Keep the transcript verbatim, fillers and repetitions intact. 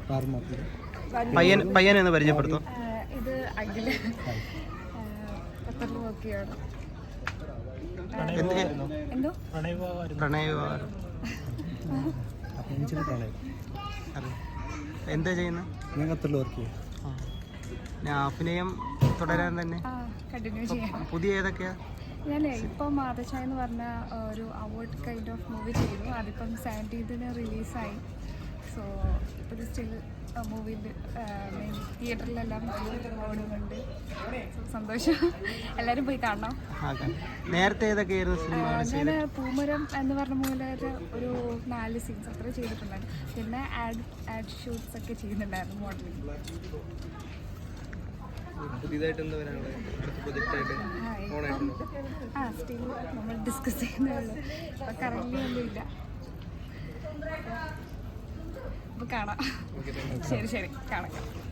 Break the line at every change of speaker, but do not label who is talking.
പയ്യൻ പയ്യനെന്ന് പരിചയപ്പെടുത്തും.
ഇത് അഖില ഖത്തറിൽ വർക്ക് ചെയ്യാണ്. എന്തോ
പ്രണയ എന്താ ചെയ്യുന്നത്?
ഞാൻ ഖത്തറിൽ വർക്ക് ചെയ്യും.
ഞാൻ അഭിനയം തുടരാൻ തന്നെ
കണ്ടിന്യൂ ചെയ്യാം.
പുതിയ ഏതൊക്കെയാ?
ഞാനേ ഇപ്പം മാതച്ചായ എന്ന് പറഞ്ഞ ഒരു അവാർഡ് കൈൻഡ് ഓഫ് മൂവി ചെയ്തു. അതിപ്പം സെവൻറ്റീൻത്തിന് റിലീസായി. സോ ഇപ്പോൾ സ്റ്റിൽ മൂവിയിൽ തിയേറ്ററിലെല്ലാം ഓടുന്നുണ്ട്. സന്തോഷം. എല്ലാവരും പോയി കാണണം.
നേരത്തെ ഏതൊക്കെയായിരുന്നു സിനിമ?
ഞാൻ പൂമരം എന്ന് പറഞ്ഞ മൂവിലൊരു ഒരു നാല് സീൻസ് അത്ര ചെയ്തിട്ടുണ്ടായിരുന്നു. പിന്നെ ആഡ് ആഡ് ഷൂട്ട്സ് ഒക്കെ ചെയ്യുന്നുണ്ടായിരുന്നു മോഡലിംഗ്.
പുതിയതായിട്ട് എന്താ വരാനുള്ളത്?
ആ സ്റ്റിൽ നമ്മൾ ഡിസ്കസ് ചെയ്യുന്നേ ഉള്ളൂ. ഇപ്പം കറൻറ്റ്ലി ഒന്നുമില്ല. അപ്പോൾ കാണാം. ശരി ശരി കാണാം.